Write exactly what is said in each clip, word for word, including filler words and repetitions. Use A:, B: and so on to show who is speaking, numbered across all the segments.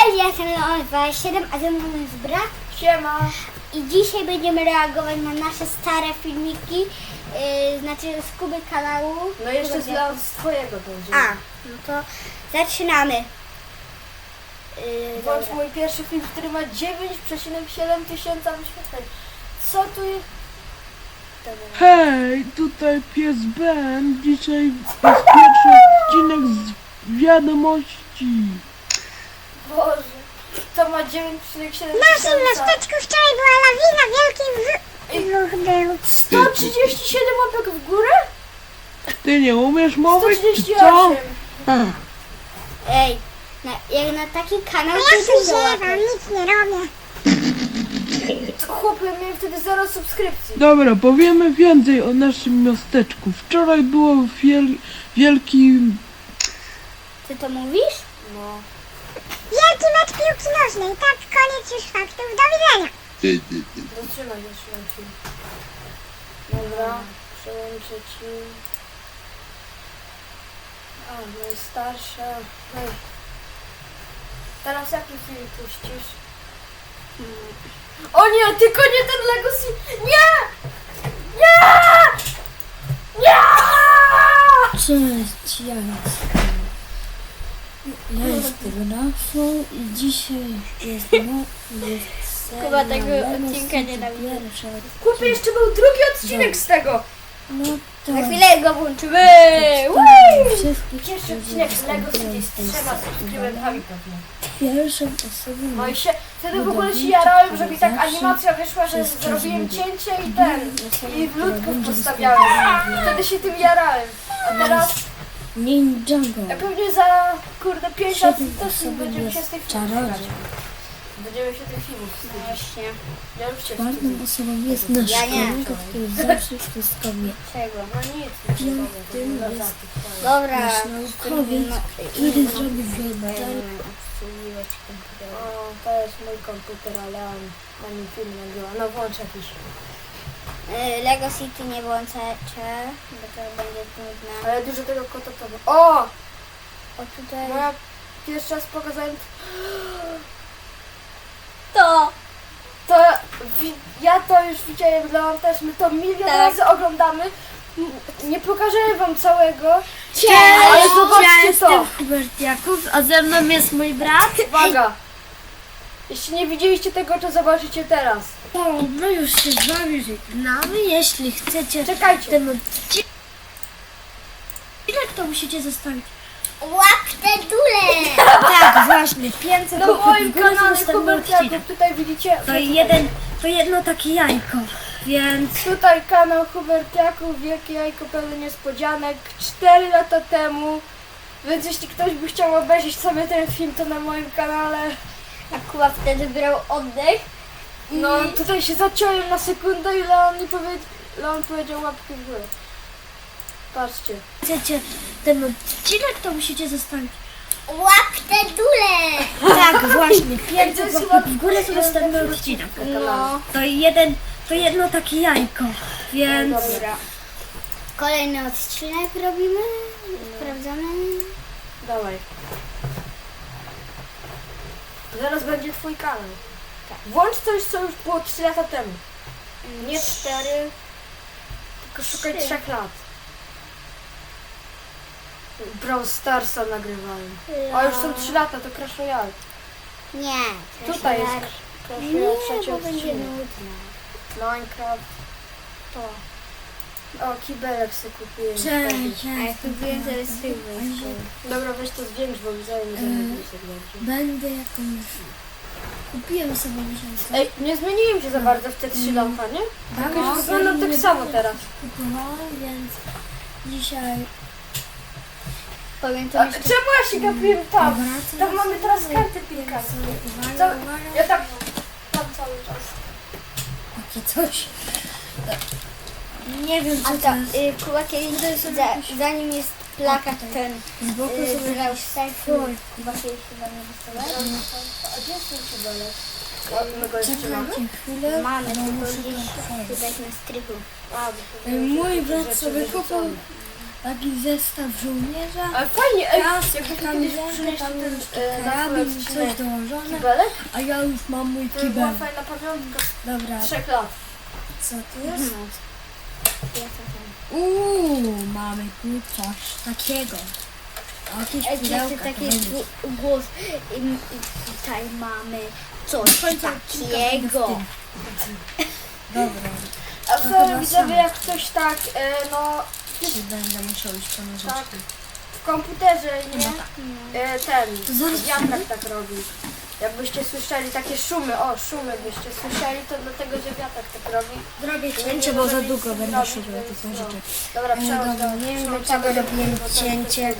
A: Cześć, ja jestem Leon dwadzieścia siedem, a ze mną jest brat.
B: Siema.
A: I dzisiaj będziemy reagować na nasze stare filmiki, yy, znaczy z Kuby kanału.
B: No jeszcze z,
A: Kuba-
B: z twojego będzie.
A: A, no to zaczynamy. Yy,
B: Włącz
A: dobra.
B: mój pierwszy film, który ma dziewięć przecinek siedem tysiąca wyświetleń. Co tu jest? Dobra.
C: Hej, tutaj pies Ben. Dzisiaj jest pierwszy odcinek z wiadomości.
B: Boże. To ma dziewięć przecinek siedem
D: W naszym
B: tysiąca.
D: miasteczku wczoraj była lawina, wielki wybuch był.
B: sto trzydzieści siedem łapek w górę?
C: Ty nie umiesz
B: sto
C: mówić, czy
B: trzydzieści
C: co?
B: osiem.
A: Ej, na, jak na taki kanał
D: No
A: to
D: ja tu
A: dużo
D: ziewam,
A: łapek.
D: nic nie robię.
B: To chłopie, miałem wtedy zero subskrypcji.
C: Dobra, powiemy więcej o naszym miasteczku. Wczoraj było wiel wielki...
A: Ty to mówisz?
B: No.
D: Wielki mecz piłki nożnej, tak, koniec już faktów, do widzenia.
B: Zatrzymaj, zatrzymaj film. Dobra, przełączę ci. A, najstarsze. Hej. Teraz jaki film puścisz? O nie, tylko nie ten Legacy! Nie! Nie! Nie!
E: Cześć, ja jestem. Ja jestem Rafał i dzisiaj jest no, jest seria
A: Kuba tego
E: Lego
A: odcinka
E: City
A: nienawidzi.
E: pierwsza.
B: Kupię, jeszcze był drugi odcinek z tego!
E: No to
A: Za chwilę go włączymy.
E: wszystkich
B: Pierwszy odcinek z Lego City z trzema subskrybentami pewnie.
E: pierwszą osobą
B: No i się, wtedy w ogóle się jarałem, że mi tak animacja wyszła, że zrobiłem cięcie i ten, i w ludków postawiałem. Wtedy się tym jarałem. A teraz
E: Ninjago.
B: e, pewnie za, kurde, pięć lat
E: Siedem
B: też
E: osobą
B: będziemy się z
E: jest
B: tych filmów wstydzić.
E: czarodziej.
B: Będziemy się tych filmów wstydzić.
A: Właśnie.
B: Ja już się
E: Ważną
B: wstydzę.
E: osobą jest nasz
A: Ja nie.
E: kolega, który zawsze wszystko wie.
A: Czego?
B: No nic, nie
E: Piątym
B: powiem.
E: jest
A: Dobra.
E: nasz naukowiec, który zrobi wydanie.
B: O, to jest mój komputer, ale on na nim film nagrywa. No włącz jakiś.
A: Yy, Lego City nie włączacie, bo to będzie trudne.
B: Ale dużo tego kota to było. O!
A: O tutaj...
B: No ja pierwszy raz pokazałem
A: To!
B: to, wi- ja to już widziałem, Leon też, my to milion
A: Tak.
B: razy oglądamy. M- Nie pokażę wam całego,
A: Cześć!
B: ale zobaczcie to.
E: Hubert Jakub, a ze mną jest mój brat.
B: Uwaga! Jeśli nie widzieliście tego, to zobaczycie teraz.
E: O, no już się z wami żegnamy. Jeśli chcecie
B: Czekajcie.
E: ten odcinek, to musicie zostawić.
A: Łap te dule!
E: Tak, właśnie, pięćset
B: Na
E: łapek
B: moim
E: w górę, to
B: kanale
E: następny
B: Hubert
E: odcinek.
B: Jakub, tutaj widzicie.
E: To jeden, to jedno takie jajko, więc
B: Tutaj kanał Hubert Jakub, wielkie jajko pełne niespodzianek, cztery lata temu. Więc jeśli ktoś by chciał obejrzeć sobie ten film, to na moim kanale.
A: A Kuba wtedy brał oddech.
B: No tutaj się zaciąłem na sekundę i Leon mi powie... Leon powiedział łapki w górę. Patrzcie.
E: chcecie ten odcinek, to musicie zostawić.
A: Łap te dule!
E: Tak, właśnie,
B: to
E: pięćset
B: jest
E: łapek
B: chyba
E: w górę, to następny
B: pierwszy
E: odcinek.
A: No.
E: To jeden, to jedno takie jajko, więc
A: Dobra. Kolejny odcinek robimy. Sprawdzamy.
B: Dawaj. Zaraz będzie twój kanał. Włącz coś, co już było trzy lata temu. Nie cztery, tylko szukaj
A: Trzy.
B: trzech lat. Brawl Starsa nagrywałem. A już są trzy lata, to Crash Royale.
A: Nie.
B: Tutaj jest
A: Crash
B: Crash
A: Nie,
B: Royale, trzeci
A: bo będzie
B: odcinek.
A: nudno.
B: Minecraft. To. O, kibelek sobie kupiłem.
E: cześć,
A: A
E: ja
A: jak
E: jestem
A: kupiłem, to jest
E: Paweł.
B: wtedy. Dobra, weź to zwiększ, bo widzę, nie zamówił sobie dobrze.
E: Będę jakąś... Kupiłem sobie miesiąc
B: Ej, nie zmieniłem się za bardzo w te trzy lata, nie?
E: Tak,
B: Jakoś wyglądam tak samo teraz.
E: kupowałam, więc dzisiaj
A: Powiem to
B: A,
A: jeszcze.
B: czemu ja się gapiłem tam?
E: wracam.
B: Tam mamy teraz karty pinkarskie.
E: Uwaga,
B: Co?
E: uwaga.
B: Ja tak tam cały czas.
E: Takie coś. Nie wiem,
A: A
E: co
A: to,
E: to jest.
A: y, Kuba kiedyś, za, zanim jest plakat ten,
E: Z boku
A: y,
E: sobie
A: brał selfie. Kuba kiedyś chyba nie wystawał.
B: A gdzie jest ten kibelek? O, my go jeszcze mamy?
E: czekajcie chwilę.
A: Mamy,
E: bo
A: tylko
E: muszę
A: gdzieś
E: to otworzyć.
A: tutaj na strychu.
B: A, bo to
E: Mój
B: rzeczy
E: brat sobie
B: wyrzucone.
E: kupił taki zestaw żołnierza.
B: Ale fajnie, ej,
E: Kask,
B: jakbyś kiedyś
E: kamizelka,
B: przynieść
E: tam
B: ten
E: już
B: e, na
E: karabin,
B: swój
E: coś
B: odcinek
E: dołożone.
B: kibelek,
E: A ja już mam mój
B: to by była
E: kibel.
B: fajna pamiątka
E: Dobra,
B: z trzech lat.
E: co tu jest?
A: Ja to tam.
E: Uuu, mamy tu coś takiego. Jakieś
A: Ej,
E: pudełka.
A: jeszcze taki
E: to będzie.
A: gł- głos. I, I tutaj mamy coś
E: Końca
A: takiego.
E: Dobra,
B: A
E: to
B: co
E: chyba
B: widzowie,
E: samo.
B: jak ktoś tak, e, no
E: czy będę musiał iść po nożyczki.
B: w komputerze, nie?
E: No tak.
B: E, ten,
E: To zaraz
B: wiatrak tak robi. Jakbyście słyszeli takie szumy, o szumy byście słyszeli, to dlatego, że wiatrak tak robi.
E: Zrobię
B: Nie
E: cięcie,
B: może
E: bo za
B: nic
E: długo
B: nie
E: będę
B: zrobić,
E: szukał
B: więc
E: tych
B: no.
E: nożyczek.
B: Dobra,
E: E,
B: przełącz
E: dobra,
B: do-
E: nie wiem,
B: przełącz
E: dlaczego
B: do-
E: robiłem
B: do- do- do-
E: cięcie.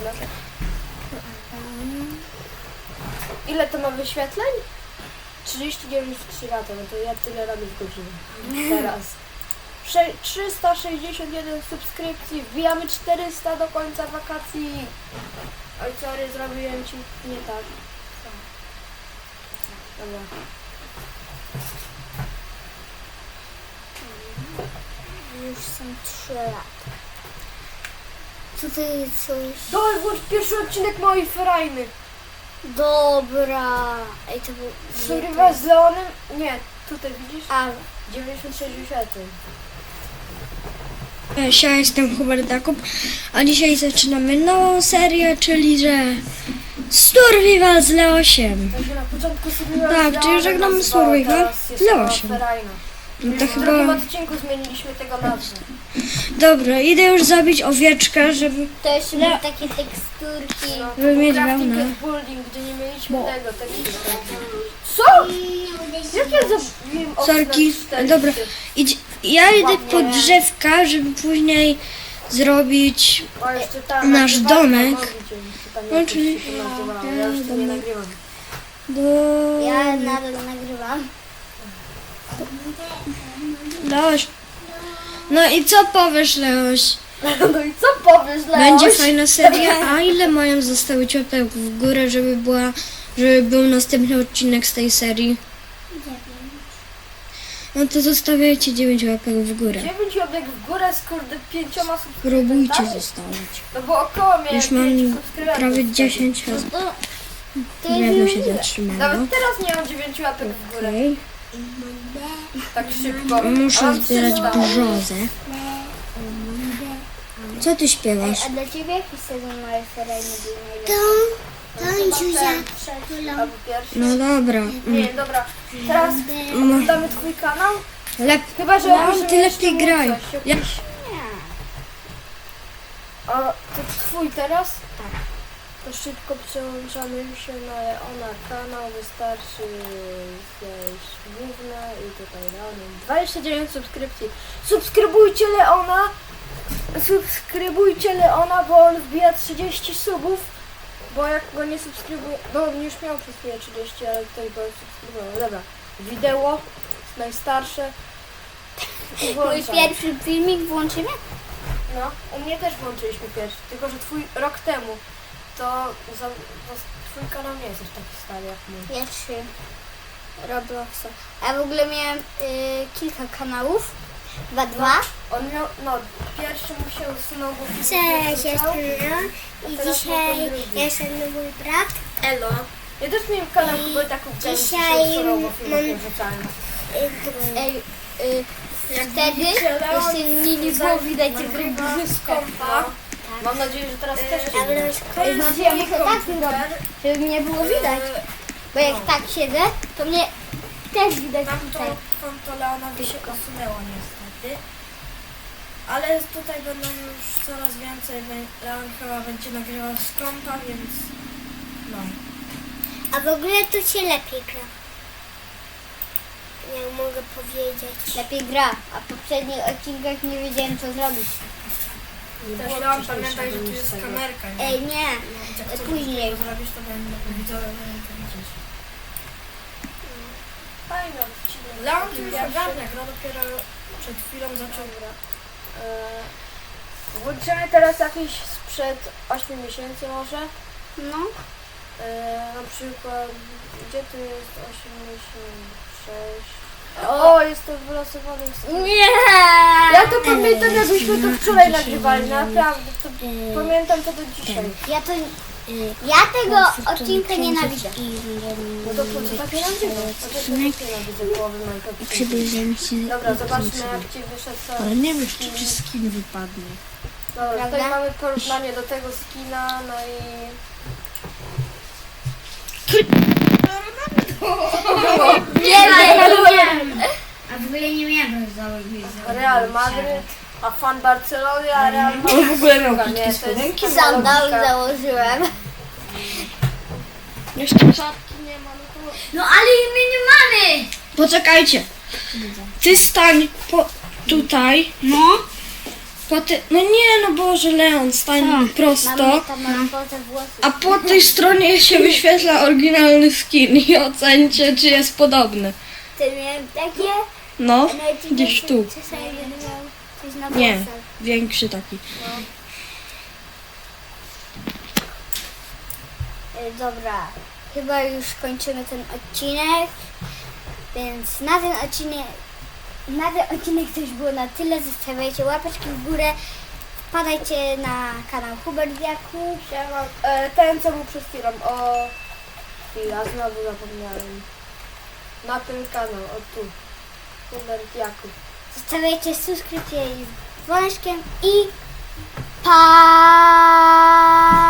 B: Ile to ma wyświetleń? trzydzieści dziewięć w trzy lata, no to ja tyle robię w godzinie. Teraz. Sze- trzysta sześćdziesiąt jeden subskrypcji, wbijamy czterysta do końca wakacji. Oj, sorry, zrobiłem ci nie tak. Dobra.
A: Już są trzy lata. Tutaj coś.
B: Dawaj, włącz pierwszy odcinek mojej ferajny.
A: Dobra. Ej, to był.
B: Survival z Leonem? Nie, tutaj widzisz?
A: A,
B: dziewięćdziesiąt sześć wyświetleń.
E: Cześć, ja jestem Hubert Jakub, a dzisiaj zaczynamy nową serię, czyli że Survival z Leosiem.
B: To się na początku Survival
E: Tak,
B: z
E: czyli
B: Leonem
E: żegnamy
B: nazywało,
E: Survival
B: teraz jest
E: z
B: to
E: Leosiem.
B: Ferajna.
E: No to
B: W drugim
E: chyba...
B: odcinku zmieniliśmy tego nazwę.
E: Dobra, idę już zabić owieczkę, żeby...
A: to jeszcze były takie teksturki.
B: No, to
E: Żeby
B: był
E: mieć
B: crafting
E: wełnę.
B: and building, gdzie nie mieliśmy
E: Bo-
B: tego, tego. Co? Jak ja zabiłem okno
E: Sorki,
B: czterdzieści?
E: dobra. Idź, ja idę po drzewka, żeby później zrobić...
B: O, jeszcze ta
E: Nasz
B: nagrywarka
E: domek.
B: Mobi, czy tam
E: No,
B: jakoś
E: czyli-
B: się to nazywało. Ja już to nie
E: domek.
B: nagrywam.
E: Do...
A: Ja nadal nagrywam.
E: Leoś. No i co powiesz, Leoś?
B: No i co powiesz, Leoś?
E: Będzie fajna seria, a ile mają zostawić łapek w górę, żeby była, żeby był następny odcinek z tej serii? No to zostawiajcie dziewięć łapek w górę.
B: dziewięć łapek w górę z kurde pięcioma
E: Próbujcie
B: subskrybentami.
E: zostawić.
B: No bo około miałem
E: Już mam
B: pięć subskrybentów
E: prawie
B: wtedy.
E: dziesięć
A: No
E: osób.
A: to. To
E: Drewno
A: jest
E: się
A: miłe.
E: zatrzymało.
B: Nawet teraz nie mam dziewięć łapek w górę.
E: Okej.
B: Tak szybko. A
E: Muszę
B: mam
E: zbierać
B: trzysta.
E: brzozę. Co ty śpiewasz?
A: A dla ciebie jaki sezon mojej ferajny był najlepszy?
D: To, to Zuzia.
B: Albo pierwszy.
E: No dobra.
B: Nie, dobra. Teraz
E: Mm.
B: damy twój kanał.
E: Lep...
B: Chyba, że
E: No,
B: możemy
E: ty
B: jeszcze
E: lepiej
B: mówić
E: graj.
B: coś, jakiś-
E: Ja...
B: A to twój teraz? Tak. To szybko przełączamy się na Leona kanał. Wystarczy zejść główne i tutaj Leonem. dwadzieścia dziewięć subskrypcji. Subskrybujcie Leona. Subskrybujcie Leona, bo on wbija trzydzieści subów. Bo jak go nie subskrybuje, no on już miał przez chwilę trzydzieści, ale ktoś go subskrybował. Dobra. Wideo najstarsze.
A: Mój
B: Włączam.
A: pierwszy filmik włączymy?
B: No, u mnie też włączyliśmy pierwszy, tylko że twój rok temu, to za, za, twój kanał nie jest już taki stary jak mój.
A: Pierwszy Robloxa. A w ogóle miałem y, kilka kanałów. Dwa, dwa.
B: On miał, no, pierwszy mu się usunął, bo filmik nie
D: Cześć,
B: wrzucał.
D: jestem Leo i
B: Teraz
D: dzisiaj
B: mam ten drugi.
D: jestem mój brat.
B: Elo. Ja też miałem kanał Kubertaków, gdzie mi się
D: dzisiaj
B: usunął, bo filmik
D: mam-
B: nie wrzucałem.
A: Ej, y, wtedy jeszcze nie, nie było widać tego
B: kompa. Mam nadzieję, że teraz też
D: A
B: nie
D: wręcz
B: widać.
A: Ej, znaczy ja muszę tak zrobić, żeby mnie było widać. Bo jak tak siedzę, to mnie też widać tutaj.
E: konto Leonowi się usunęło niestety. Ale tutaj będą już coraz więcej. Leon chyba będzie nagrywał z kompa, więc no.
D: A w ogóle to się lepiej gra. Nie mogę powiedzieć.
A: Lepiej gra, a w poprzednich odcinkach nie wiedziałem co zrobić.
B: Też
E: Leon,
B: wcześniej
E: pamiętaj, że tu
B: zrobić
E: jest
B: tego.
E: kamerka, nie?
A: Ej, nie,
E: Jak
A: e,
E: to
A: później.
E: zrobisz, to będę widzowie będą to widzieć.
B: Fajny odcinek.
E: Leon tu już
B: Pierwszy.
E: ogarnia, gra dopiero przed chwilą zaczął.
B: Dobra. E, Włączymy teraz jakieś sprzed ośmiu miesięcy może.
A: No.
B: E, na przykład, gdzie tu jest osiem miesięcy, sześć. O, jestem wylosowany.
A: Nie!
B: Ja to pamiętam, jakbyśmy to wczoraj nagrywali, naprawdę. To pamiętam to do dzisiaj.
A: Ja to... Ja tego odcinka nienawidzę.
B: No to po co takie nagrywasz? No to też nienawidzę połowy Minecraft.
A: Przybliżymy się.
B: Dobra, zobaczmy jak ci wyszedł cały.
C: Ale nie wiesz, czy ci skin wypadnie.
B: Dobra, tutaj
A: Prawda?
B: mamy porównanie do tego skina, no i...
A: Nie wiem!
F: A w ogóle nie miałem założyć.
B: Real Madryt, a fan Barcelony, a Real Madryt.
C: Ale w ogóle miał
B: Nie,
C: krótkie
B: to jest
C: spodenki.
A: Sandał
B: logika.
A: założyłem.
C: Jeszcze czapki nie ma, no to...
F: No ale my nie mamy!
E: Poczekajcie. Ty stań po, tutaj. No. Po ty, no nie, no Boże, Leon, stań prosto.
A: Mam metamorfozę włosów.
E: A po tej stronie się wyświetla oryginalny skin i ocencie, czy jest podobny.
A: Ty miałem takie...
E: No,
A: Najdziwniejsze-
E: gdzieś tu.
A: Czasami będę miał coś na
E: Nie,
A: włosach.
E: większy taki.
A: Y, Dobra, chyba już kończymy ten odcinek, więc na ten odcinek, na ten odcinek to już było na tyle. Zostawiajcie łapeczki w górę, wpadajcie na kanał Hubert Jakub.
B: Siema. E, ten co był przed chwilą, o... Chwila, znowu zapomniałem. Na ten kanał, o tu. Hubert Jakub.
A: Zostawiajcie subskrypcję z dzwoneczkiem i pa!